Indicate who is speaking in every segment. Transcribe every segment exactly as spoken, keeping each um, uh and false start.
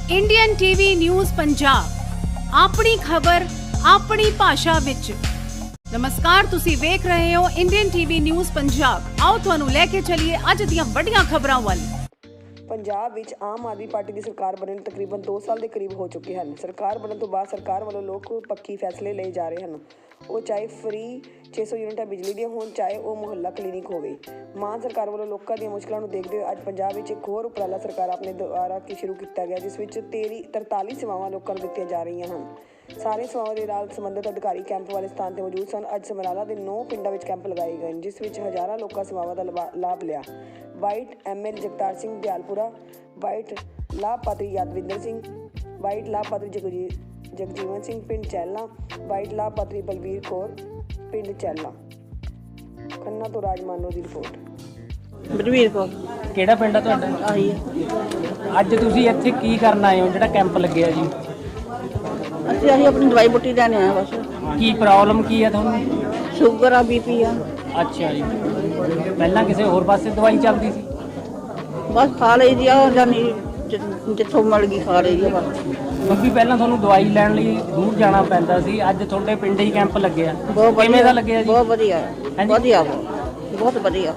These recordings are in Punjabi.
Speaker 1: इंडियन टीवी न्यूज़ पंजाब अपनी खबर अपनी भाषा विच। नमस्कार, तुसी वेख रहे हो इंडियन टीवी न्यूज़ पंजाब। आओ तुहानू लेके चलिए अज दीयां वड्डियां खबरां वल।
Speaker 2: ਪੰਜਾਬ ਵਿੱਚ ਆਮ ਆਦਮੀ ਪਾਰਟੀ ਦੀ ਸਰਕਾਰ ਬਣਨ ਨੂੰ ਤਕਰੀਬਨ ਦੋ ਸਾਲ ਦੇ ਕਰੀਬ ਹੋ ਚੁੱਕੇ ਹਨ। ਸਰਕਾਰ ਬਣਨ ਤੋਂ ਬਾਅਦ ਸਰਕਾਰ ਵੱਲੋਂ ਲੋਕ ਪੱਖੀ ਫੈਸਲੇ ਲਏ ਜਾ ਰਹੇ ਹਨ। ਉਹ ਚਾਹੇ ਫ੍ਰੀ ਛੇ ਸੌ ਯੂਨਿਟਾਂ ਬਿਜਲੀ ਦੀਆਂ ਹੋਣ, ਚਾਹੇ ਉਹ ਮੁਹੱਲਾ ਕਲੀਨਿਕ ਹੋਵੇ। ਮਾਨ ਸਰਕਾਰ ਵੱਲੋਂ ਲੋਕਾਂ ਦੀਆਂ ਮੁਸ਼ਕਲਾਂ ਨੂੰ ਦੇਖਦੇ ਹੋਏ ਅੱਜ ਪੰਜਾਬ ਵਿੱਚ ਇੱਕ ਹੋਰ ਉਪਰਾਲਾ ਸਰਕਾਰ ਆਪਣੇ ਦੁਆਰਾ ਕੀ ਸ਼ੁਰੂ ਕੀਤਾ ਗਿਆ, ਜਿਸ ਵਿੱਚ ਤੇਰੀ ਤਰਤਾਲੀ ਸੇਵਾਵਾਂ ਲੋਕਾਂ ਨੂੰ ਦਿੱਤੀਆਂ ਜਾ ਰਹੀਆਂ ਹਨ। ਸਾਰੇ ਸੇਵਾਵਾਂ ਦੇ ਨਾਲ ਸੰਬੰਧਿਤ ਅਧਿਕਾਰੀ ਕੈਂਪ ਵਾਲੇ ਸਥਾਨ 'ਤੇ ਮੌਜੂਦ ਸਨ। ਅੱਜ ਸਮਰਾਲਾ ਦੇ ਨੌ ਪਿੰਡਾਂ ਵਿੱਚ ਕੈਂਪ ਲਗਾਏ ਗਏ, ਜਿਸ ਵਿੱਚ ਹਜ਼ਾਰਾਂ ਲੋਕਾਂ ਸੇਵਾਵਾਂ ਦਾ ਲਾਭ ਲਿਆ। Bite M L Jagtar Singh Dayalpura, bite ਲਾਭਪਾਤਰੀ ਯਾਦਵਿੰਦਰ ਸਿੰਘ, ਵਾਈਟ ਲਾਭਪਾਤਰੀ ਜਗਜੀ ਜਗਜੀਵਨ ਸਿੰਘ ਪਿੰਡ ਚੈਲਾ, ਵਾਈਟ ਲਾਭਪਾਤਰੀ ਬਲਵੀਰ ਕੌਰ ਪਿੰਡ ਚੈਲਾ। ਖੰਨਾ ਤੋਂ ਰਾਜਮਾਨੋ ਦੀ ਰਿਪੋਰਟ।
Speaker 3: ਬਲਵੀਰ ਕੌਰ।
Speaker 4: ਕਿਹੜਾ ਪਿੰਡ ਆ ਤੁਹਾਡਾ?
Speaker 3: ਆਹੀ ਹੈ।
Speaker 4: ਅੱਜ ਤੁਸੀਂ ਇੱਥੇ ਕੀ ਕਰਨ ਆਏ ਹੋ ਜਿਹੜਾ ਕੈਂਪ ਲੱਗਿਆ ਜੀ?
Speaker 3: ਅਸੀਂ ਅਸੀਂ ਆਪਣੀ ਦਵਾਈ ਬੂਟੀ ਲੈਣ ਆਏ ਬਸ।
Speaker 4: ਕੀ ਪ੍ਰੋਬਲਮ ਕੀ ਹੈ ਤੁਹਾਨੂੰ?
Speaker 3: ਸ਼ੂਗਰ ਆ, ਬੀਪੀ ਆ।
Speaker 4: ਅੱਛਾ ਜੀ, ਪਹਿਲਾਂ ਕਿਸੇ ਹੋਰ ਪਾਸੇ ਦਵਾਈ ਚੱਲਦੀ ਸੀ?
Speaker 3: ਬਸ ਖਾ ਲਈ ਦੀ ਆ, ਜਾਨੀ ਜਿੱਥੋਂ ਮਿਲ ਗਈ ਖਾ ਲਈ ਦੀ ਆ ਬਸ।
Speaker 4: ਕਿਉਂਕਿ ਪਹਿਲਾਂ ਤੁਹਾਨੂੰ ਦਵਾਈ ਲੈਣ ਲਈ ਦੂਰ ਜਾਣਾ ਪੈਂਦਾ ਸੀ, ਅੱਜ ਤੁਹਾਡੇ ਪਿੰਡ ਹੀ ਕੈਂਪ ਲੱਗਿਆ।
Speaker 3: ਬਹੁਤ
Speaker 4: ਕਿਵੇਂ ਦਾ ਲੱਗਿਆ ਜੀ?
Speaker 3: ਬਹੁਤ ਵਧੀਆ ਵਧੀਆ ਬਹੁਤ ਵਧੀਆ।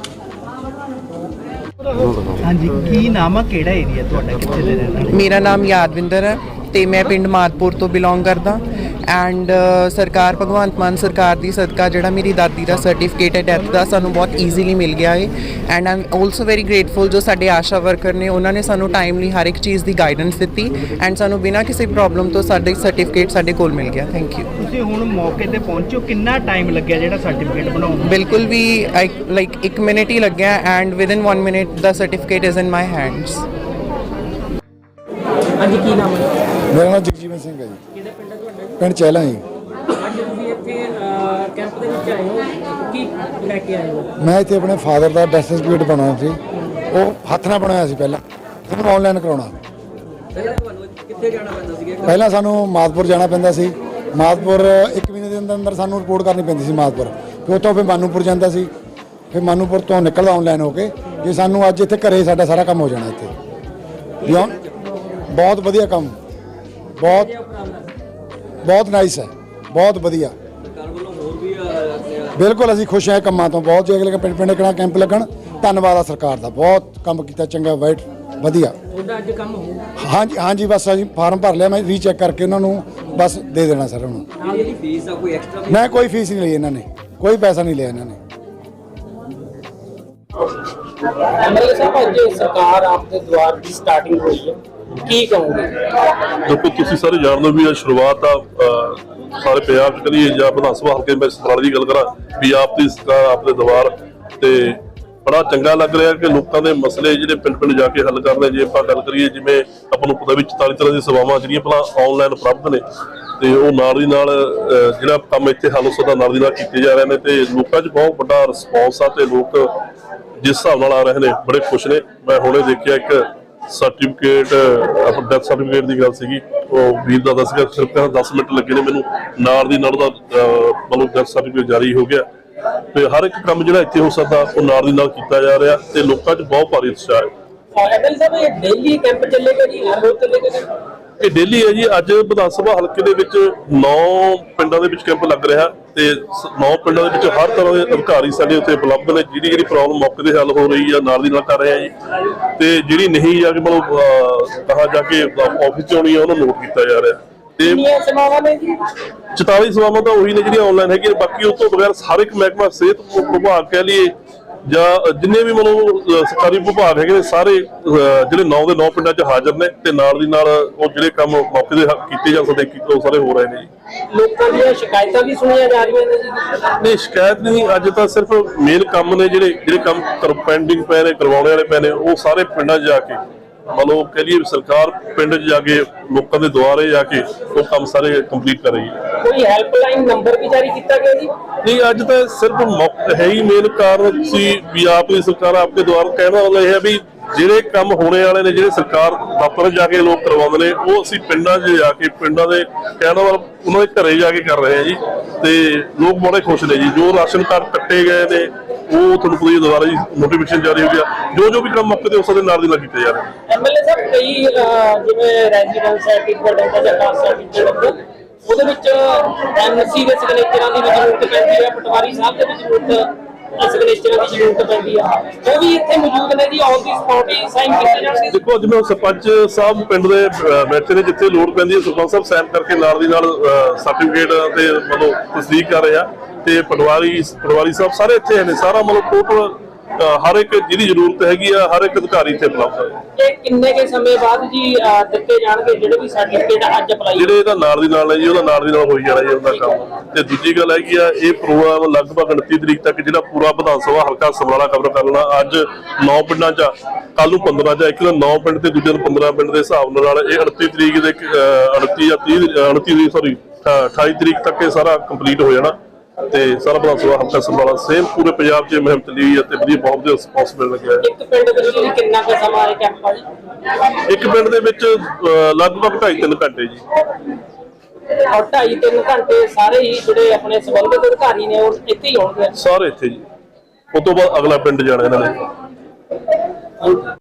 Speaker 5: ਹਾਂਜੀ, ਕੀ ਨਾਮ ਆ, ਕਿਹੜਾ ਏਰੀਆ ਤੁਹਾਡਾ, ਕਿੱਥੇ ਦੇ ਰਹਿਣ ਵਾਲੇ?
Speaker 6: ਮੇਰਾ ਨਾਮ ਯਾਦਵਿੰਦਰ ਹੈ ਤੇ ਮੈਂ ਪਿੰਡ ਮਾਦਪੁਰ ਤੋਂ ਬਿਲੋਂਗ ਕਰਦਾ। ਐਂਡ ਸਰਕਾਰ ਭਗਵੰਤ ਮਾਨ ਸਰਕਾਰ ਦੀ ਸਦਕਾ ਜਿਹੜਾ ਮੇਰੀ ਦਾਦੀ ਦਾ ਸਰਟੀਫਿਕੇਟ ਹੈ ਡੈਥ ਦਾ ਸਾਨੂੰ ਬਹੁਤ ਈਜ਼ੀਲੀ ਮਿਲ ਗਿਆ ਹੈ। And I am also very grateful ਜੋ ਸਾਡੇ ਆਸ਼ਾ ਵਰਕਰ ਨੇ, ਉਹਨਾਂ ਨੇ ਸਾਨੂੰ ਟਾਈਮਲੀ ਹਰ ਇੱਕ ਚੀਜ਼ ਦੀ ਗਾਈਡੈਂਸ ਦਿੱਤੀ ਐਂਡ ਸਾਨੂੰ ਬਿਨਾਂ ਕਿਸੇ ਪ੍ਰੋਬਲਮ ਤੋਂ ਸਾਡੇ ਸਰਟੀਫਿਕੇਟ ਸਾਡੇ ਕੋਲ ਮਿਲ ਗਿਆ। Thank you.
Speaker 5: ਤੁਸੀਂ ਹੁਣ ਮੌਕੇ ਤੇ ਪਹੁੰਚੋ, ਕਿੰਨਾ ਟਾਈਮ ਲੱਗਿਆ ਜਿਹੜਾ ਸਰਟੀਫਿਕੇਟ ਬਣਾਉਣ ਨੂੰ?
Speaker 6: ਬਿਲਕੁਲ ਵੀ ਲਾਈਕ ਇੱਕ ਮਿੰਟ ਹੀ ਲੱਗਿਆ ਐਂਡ ਵਿਦਿਨ ਵਨ ਮਿੰਟ ਦਾ certificate is in my hands.
Speaker 4: ਹਾਂਜੀ, ਕੀ ਨਾਮ ਹੈ?
Speaker 7: ਮੇਰਾ ਨਾਮ ਜਗਜੀਵਨ ਸਿੰਘ ਹੈ ਜੀ।
Speaker 4: ਕਿਹੜਾ ਪਿੰਡ ਹੈ ਤੁਹਾਡਾ?
Speaker 7: ਪਿੰਡ ਚਹਿਲਾ ਜੀ।
Speaker 4: ਅੱਜ ਤੁਸੀਂ ਇੱਥੇ ਕੈਂਪ ਦੇ ਵਿੱਚ ਆਏ ਹੋ, ਕੀ ਲੈ ਕੇ ਆਏ ਹੋ?
Speaker 7: ਮੈਂ ਇੱਥੇ ਆਪਣੇ ਫਾਦਰ ਦਾ ਡੈਥ ਸਰਟੀਫਿਕੇਟ ਬਣਾਉਣਾ ਸੀ, ਉਹ ਹੱਥ ਨਾਲ ਬਣਾਇਆ ਸੀ ਪਹਿਲਾਂ, ਉਹਨੂੰ ਆਨਲਾਈਨ ਕਰਾਉਣਾ।
Speaker 4: ਪਹਿਲਾਂ ਤੁਹਾਨੂੰ ਕਿੱਥੇ ਜਾਣਾ ਪੈਂਦਾ ਸੀ?
Speaker 7: ਪਹਿਲਾਂ ਸਾਨੂੰ ਮਾਦਪੁਰ ਜਾਣਾ ਪੈਂਦਾ ਸੀ। ਮਾਦਪੁਰ ਇੱਕ ਮਹੀਨੇ ਦੇ ਅੰਦਰ ਅੰਦਰ ਸਾਨੂੰ ਰਿਪੋਰਟ ਕਰਨੀ ਪੈਂਦੀ ਸੀ ਮਾਦਪੁਰ। ਫਿਰ ਉੱਥੋਂ ਫਿਰ ਮਾਨੂਪੁਰ ਜਾਂਦਾ ਸੀ, ਫਿਰ ਮਾਨੂਪੁਰ ਤੋਂ ਨਿਕਲਦਾ ਆਨਲਾਈਨ ਹੋ ਕੇ। ਜੇ ਸਾਨੂੰ ਅੱਜ ਇੱਥੇ ਘਰੇ ਸਾਡਾ ਸਾਰਾ ਕੰਮ ਹੋ ਜਾਣਾ ਇੱਥੇ। ਬਹੁਤ ਵਧੀਆ ਕੰਮ, ਬਹੁਤ ਬਹੁਤ ਨਾਈਸ ਹੈ, ਬਹੁਤ ਵਧੀਆ। ਬਿਲਕੁਲ ਅਸੀਂ ਖੁਸ਼ ਹਾਂ ਕੰਮਾਂ ਤੋਂ ਬਹੁਤ। ਜੇ ਅਗਲੇ ਪਿੰਡ ਪਿੰਡ ਕਿਹੜਾ ਕੈਂਪ ਲੱਗਣ, ਧੰਨਵਾਦ ਆ ਸਰਕਾਰ ਦਾ, ਬਹੁਤ ਕੰਮ ਕੀਤਾ, ਚੰਗਾ, ਵਾਈਟ ਵਧੀਆ।
Speaker 4: ਤੁਹਾਡਾ ਅੱਜ ਕੰਮ ਹੋ?
Speaker 7: ਹਾਂਜੀ ਹਾਂਜੀ, ਬਸ ਅਸੀਂ ਫਾਰਮ ਭਰ ਲਿਆ, ਮੈਂ ਰੀਚੈੱਕ ਕਰਕੇ ਉਹਨਾਂ ਨੂੰ ਬਸ ਦੇ ਦੇਣਾ ਸਰ। ਉਹਨਾਂ ਨੂੰ
Speaker 4: ਜਿਹੜੀ ਫੀਸ ਆ ਕੋਈ ਐਕਸਟਰਾ?
Speaker 7: ਮੈਂ ਕੋਈ ਫੀਸ ਨਹੀਂ ਲਈ, ਇਹਨਾਂ ਨੇ ਕੋਈ ਪੈਸਾ ਨਹੀਂ ਲਿਆ ਇਹਨਾਂ ਨੇ।
Speaker 4: ਐਮਐਲਏ ਸਾਹਿਬ, ਅੱਜ ਸਰਕਾਰ ਆਪਦੇ ਦੁਆਰ ਦੀ ਸਟਾਰਟਿੰਗ ਹੋਈ ਹੈ, ਕੀ ਕਹੋਗੇ?
Speaker 8: ਦੇਖੋ, ਤੁਸੀਂ ਸਾਰੇ ਜਾਣਦੇ ਹੋ ਵੀ ਇਹ ਸ਼ੁਰੂਆਤ ਆ ਸਾਰੇ ਪੰਜਾਬ 'ਚ ਕਰੀਏ ਜਾਂ ਵਿਧਾਨ ਸਭਾ ਹਲਕੇ ਮੈਂ ਸਮਰਾਲੇ ਦੀ ਗੱਲ ਕਰਾਂ ਵੀ ਆਪ ਦੀ ਸਰਕਾਰ ਆਪਦੇ ਦੁਆਰ ਤੇ ਬੜਾ ਚੰਗਾ ਲੱਗ ਰਿਹਾ ਕਿ ਲੋਕਾਂ ਦੇ ਮਸਲੇ ਜਿਹੜੇ ਪਿੰਡ ਪਿੰਡ ਜਾ ਕੇ ਹੱਲ ਕਰ ਰਹੇ। ਜੇ ਆਪਾਂ ਗੱਲ ਕਰੀਏ, ਜਿਵੇਂ ਆਪਾਂ ਨੂੰ ਪਤਾ ਵੀ ਚੁਤਾਲੀ ਤਰ੍ਹਾਂ ਦੀਆਂ ਸੇਵਾਵਾਂ ਜਿਹੜੀਆਂ ਪਹਿਲਾਂ ਆਨਲਾਈਨ ਉਪਲਬਧ ਨੇ, ਤੇ ਉਹ ਨਾਲ ਦੀ ਨਾਲ ਜਿਹੜਾ ਕੰਮ ਇੱਥੇ ਹੱਲ ਹੋ ਸਕਦਾ ਨਾਲ ਦੀ ਨਾਲ ਕੀਤੇ ਜਾ ਰਹੇ ਨੇ, ਤੇ ਲੋਕਾਂ 'ਚ ਬਹੁਤ ਵੱਡਾ ਰਿਸਪੌਂਸ ਆ ਤੇ ਲੋਕ ਜਿਸ ਹਿਸਾਬ ਨਾਲ ਆ ਰਹੇ ਨੇ ਬੜੇ ਖੁਸ਼ ਨੇ। ਮੈਂ ਹੁਣੇ ਦੇਖਿਆ ਇੱਕ ਸਰਟੀਫਿਕੇਟ, ਆਪਣਾ ਡੈਥ ਸਰਟੀਫਿਕੇਟ ਦੀ ਗੱਲ ਸੀਗੀ, ਉਹ ਵੀਰ ਦਾ ਦੱਸਿਆ ਸਿਰਫ ਦਸ ਮਿੰਟ ਲੱਗੇ ਨੇ ਮੈਨੂੰ, ਨਾਲ ਦੀ ਨਾਲ ਉਹਦਾ ਮਤਲਬ ਡੈਥ ਸਰਟੀਫਿਕੇਟ ਜਾਰੀ ਹੋ ਗਿਆ। ਤੇ ਹਰ ਇੱਕ ਕੰਮ ਜਿਹੜਾ ਇੱਥੇ ਹੋ ਸਕਦਾ ਉਹ ਨਾਲ ਦੀ ਨਾਲ ਕੀਤਾ ਜਾ ਰਿਹਾ ਤੇ ਲੋਕਾਂ 'ਚ ਬਹੁਤ ਭਾਰੀ ਉਤਸ਼ਾਹ ਹੈ।
Speaker 4: ਐਮਐਲਏ ਸਾਹਿਬ, ਇਹ ਡੇਲੀ ਕੈਂਪ ਚੱਲੇਗਾ ਜੀ, ਹਰ ਰੋਜ਼ ਚੱਲੇਗਾ?
Speaker 8: ਇਹ ਡੇਲੀ ਹੈ ਜੀ। ਅੱਜ ਵਿਧਾਨ ਸਭਾ ਹਲਕੇ ਦੇ ਵਿੱਚ ਨੌ ਪਿੰਡਾਂ ਦੇ ਵਿੱਚ ਕੈਂਪ ਲੱਗ ਰਿਹਾ ਤੇ ਨੌ ਪਿੰਡਾਂ ਦੇ ਵਿੱਚ ਹਰ ਤਰ੍ਹਾਂ ਦੇ ਅਧਿਕਾਰੀ ਸਾਡੇ ਉੱਥੇ ਉਪਲਬਧ ਨੇ। ਜਿਹੜੀ ਜਿਹੜੀ ਪ੍ਰੋਬਲਮ ਮੌਕੇ ਤੇ ਹੱਲ ਹੋ ਰਹੀ ਆ ਨਾਲ ਦੀ ਨਾਲ ਕਰ ਰਹੇ ਆ ਜੀ, ਤੇ ਜਿਹੜੀ ਨਹੀਂ ਜਾ ਕੇ ਮਤਲਬ ਕਹਾ ਜਾ ਕੇ ਆਫਿਸ 'ਚ ਆਉਣੀ ਆ ਉਹਨੂੰ ਨੋਟ ਕੀਤਾ ਜਾ ਰਿਹਾ। ਤੇ
Speaker 4: ਸੇਵਾਵਾਂ ਨੇ ਜੀ
Speaker 8: ਚੁਤਾਲੀ ਸੇਵਾਵਾਂ ਤਾਂ ਉਹੀ ਨੇ ਜਿਹੜੀਆਂ ਆਨਲਾਈਨ ਹੈਗੀਆਂ, ਬਾਕੀ ਉਸ ਤੋਂ ਬਗੈਰ ਹਰ ਇੱਕ ਮਹਿਕਮਾ, ਸਿਹਤ ਵਿਭਾਗ ਕਹਿ ਲਈਏ ਜਾਂ ਜਿੰਨੇ ਵੀ ਮਤਲਬ ਸਰਕਾਰੀ ਵਿਭਾਗ ਹੈਗੇ ਨੇ, ਸਾਰੇ ਜਿਹੜੇ ਨੌ ਦੇ ਨੌ ਪਿੰਡਾਂ 'ਚ ਹਾਜ਼ਰ ਨੇ ਤੇ ਨਾਲ ਦੀ ਨਾਲ ਉਹ ਜਿਹੜੇ ਕੰਮ ਮੌਕੇ ਦੇ ਕੀਤੇ ਜਾ ਸਕਦੇ ਉਹ ਸਾਰੇ ਹੋ ਰਹੇ ਨੇ ਜੀ।
Speaker 4: ਲੋਕਾਂ ਦੀਆਂ ਸ਼ਿਕਾਇਤਾਂ ਵੀ ਸੁਣੀਆਂ ਜਾ ਰਹੀਆਂ ਨੇ ਜੀ?
Speaker 8: ਨਹੀਂ, ਸ਼ਿਕਾਇਤ ਨਹੀਂ। ਅੱਜ ਤਾਂ ਸਿਰਫ ਮੇਨ ਕੰਮ ਨੇ ਜਿਹੜੇ ਜਿਹੜੇ ਕੰਮ ਪੈਂਡਿੰਗ ਪਏ ਨੇ, ਕਰਵਾਉਣੇ ਵਾਲੇ ਪਏ ਨੇ, ਉਹ ਸਾਰੇ ਪਿੰਡਾਂ 'ਚ ਜਾ ਕੇ ਮਤਲਬ ਕਹਿ ਲਈਏ ਸਰਕਾਰ ਪਿੰਡ 'ਚ ਜਾ ਕੇ ਲੋਕਾਂ ਦੇ ਦੁਆਰੇ ਜਾ ਕੇ ਉਹ ਕੰਮ ਸਾਰੇ ਕੰਪਲੀਟ ਕਰ ਰਹੀ ਹੈ।
Speaker 4: ਕੋਈ ਹੈਲਪਲਾਈਨ ਨੰਬਰ ਵੀ ਜਾਰੀ ਕੀਤਾ ਗਿਆ ਜੀ?
Speaker 8: ਨਹੀਂ, ਅੱਜ ਤਾਂ ਸਿਰਫ ਮੌਕਾ ਹੈ ਹੀ ਮੇਨ ਕਾਰਨ ਸੀ ਵੀ ਆਪ ਦੀ ਸਰਕਾਰ ਆਪਕੇ ਦੁਆਰ ਕਹਿਣਾ ਵਾਲਾ ਇਹ ਹੈ ਵੀ ਜਿਹੜੇ ਕੰਮ ਹੋਣੇ ਵਾਲੇ ਨੇ, ਜਿਹੜੇ ਸਰਕਾਰ ਦਫ਼ਤਰ ਜਾ ਕੇ ਲੋਕ ਕਰਵਾਉਂਦੇ ਨੇ, ਉਹ ਅਸੀਂ ਪਿੰਡਾਂ 'ਚ ਜਾ ਕੇ ਪਿੰਡਾਂ ਦੇ ਕਹਿਣਾ ਵਾਲਾ ਉਹਨਾਂ ਦੇ ਘਰੇ ਜਾ ਕੇ ਕਰ ਰਹੇ ਹਾਂ ਜੀ। ਤੇ ਲੋਕ ਬੜੇ ਖੁਸ਼ ਨੇ ਜੀ। ਜੋ ਰਾਸ਼ਨ ਕਾਰਡ ਕੱਟੇ ਗਏ ਨੇ ਉਹ ਤੁਹਾਨੂੰ ਪਤਾ ਹੀ ਹੈ, ਦੁਬਾਰਾ ਜੀ ਨੋਟੀਫਿਕੇਸ਼ਨ ਜਾਰੀ ਹੋ ਗਿਆ। ਜੋ ਜੋ ਵੀ ਕੰਮ ਮੌਕੇ ਤੇ ਉਸ ਦੇ ਨਾਲ ਦੀ ਨਾਲ ਕੀਤੇ ਜਾ ਰਹੇ ਨੇ।
Speaker 4: ਐਮਐਲਏ ਸਾਹਿਬ ਕਈ ਅਹ, ਜਿਵੇਂ ਰੈਜ਼ੀਡੈਂਸ ਸਰਟੀਫਿਕੇਟ ਹੁੰਦਾ ਜਾਂ ਕਾਸਟ ਸਰਟੀਫਿਕੇਟ ਉਹਦੇ ਵਿੱਚ ਐਮਸੀ ਦੇ ਸਿਗਨੇਚਰਾਂ ਦੀ ਵੀ ਜ਼ਰੂਰਤ ਪੈਂਦੀ ਹੈ, ਪਟਵਾਰੀ ਸਾਹਿਬ ਦੇ ਵੀ ਜ਼ਰੂਰਤ ਸਿਗਨੇਚਰਾਂ ਦੀ ਜ਼ਰੂਰਤ ਪੈਂਦੀ ਆ, ਉਹ ਵੀ ਇੱਥੇ ਮੌਜੂਦ ਨੇ ਜੀ, ਔਨ ਦੀ ਸਪੌਟ ਹੀ ਸਾਈਨ ਕੀਤੇ ਜਾਣਗੇ।
Speaker 8: ਦੇਖੋ ਅੱਜ ਮੈਂ ਸਰਪੰਚ ਸਾਹਿਬ ਪਿੰਡ ਦੇ ਬੈਠੇ ਨੇ, ਜਿੱਥੇ ਲੋੜ ਪੈਂਦੀ ਹੈ ਸਰਪੰਚ ਸਾਹਿਬ ਸਾਈਨ ਕਰਕੇ ਨਾਲ ਦੀ ਨਾਲ ਸਰਟੀਫਿਕੇਟ ਤੇ ਮਤਲਬ ਤਸਦੀਕ ਕਰ ਰਹੇ ਆ, ਤੇ ਪਟਵਾਰੀ ਪਟਵਾਰੀ ਸਾਹਿਬ ਸਾਰੇ ਇੱਥੇ ਨੇ। ਸਾਰਾ ਮਤਲਬ ਟੋਟਲ ਹਰ ਇੱਕ ਜਿਹਦੀ ਜ਼ਰੂਰਤ ਹੈਗੀ ਆ, ਹਰ ਇੱਕ ਅਧਿਕਾਰੀ ਇੱਥੇ ਉਪਲਬਧ ਹੈ।
Speaker 4: ਇਹ ਕਿੰਨੇ ਕੇ ਸਮੇਂ ਬਾਅਦ ਜੀ ਅਹ, ਦਿੱਤੇ ਜਾਣਗੇ ਜਿਹੜੇ ਵੀ ਸਰਟੀਫਿਕੇਟ ਅੱਜ ਅਪਲਾਈ?
Speaker 8: ਜਿਹੜੇ ਇਹਦਾ ਨਾਲ ਦੀ ਨਾਲ ਹੈ ਜੀ, ਉਹਦਾ ਨਾਲ ਦੀ ਨਾਲ ਹੋਈ ਜਾਣਾ ਜੀ ਉਹਦਾ ਕੰਮ। ਤੇ ਦੂਜੀ ਗੱਲ ਹੈਗੀ ਆ, ਇਹ ਪ੍ਰੋਗਰਾਮ ਲਗਭਗ ਉਨੱਤੀ ਤਰੀਕ ਤੱਕ ਜਿਹੜਾ ਪੂਰਾ ਵਿਧਾਨ ਸਭਾ ਹਲਕਾ ਸਮਰਾਲਾ ਕਵਰ ਕਰ ਲੈਣਾ। ਅੱਜ ਨੌ ਪਿੰਡਾਂ 'ਚ, ਕੱਲ ਨੂੰ ਪੰਦਰਾਂ 'ਚ, ਇੱਕ ਦਿਨ ਨੌ ਪਿੰਡ ਤੇ ਦੂਜੇ ਦਿਨ ਪੰਦਰਾਂ ਪਿੰਡ ਦੇ ਹਿਸਾਬ ਨਾਲ ਇਹ ਉਨੱਤੀ ਤਰੀਕ ਦੇ ਉਨੱਤੀ ਜਾਂ ਤੀਹ ਉਨੱਤੀ ਸੌਰੀ ਅਠਾਈ ਤਰੀਕ ਤੱਕ ਇਹ ਸਾਰਾ ਕੰਪਲੀਟ ਹੋ ਜਾਣਾ। ਤੇ ਸਾਰਾ ਵਿਧਾਨ ਸਭਾ ਹਲਕਾ ਸਮਰਾਲਾ ਸੇਮ ਪੂਰੇ ਪੰਜਾਬ 'ਚ ਮੁਹਿੰਮ ਚੱਲੀ ਹੋਈ ਹੈ ਤੇ ਵਧੀਆ ਬਹੁਤ ਵਧੀਆ ਰਿਸਪੌਂਸ ਮਿਲ ਲੱਗਿਆ ਹੈ।
Speaker 4: ਇੱਕ ਪਿੰਡ ਵਿੱਚ ਜੀ ਕਿੰਨਾ ਕੁ ਸਮਾਂ ਇਹ ਕੈਂਪ ਆ ਜੀ?
Speaker 8: ਇੱਕ ਪਿੰਡ ਦੇ ਵਿੱਚ ਅਹ, ਲਗਭਗ ਢਾਈ ਤਿੰਨ ਘੰਟੇ ਜੀ।
Speaker 4: ਔਰ ਢਾਈ ਤਿੰਨ ਘੰਟੇ ਸਾਰੇ ਹੀ ਜਿਹੜੇ ਆਪਣੇ ਸੰਬੰਧਿਤ ਅਧਿਕਾਰੀ ਨੇ ਉਹ ਇੱਥੇ ਹੀ ਹੋਣਗੇ?
Speaker 8: ਸਾਰੇ ਇੱਥੇ ਜੀ। ਉਸ ਤੋਂ ਬਾਅਦ ਅਗਲਾ ਪਿੰਡ ਜਾਣਾ ਇਹਨਾਂ ਨੇ।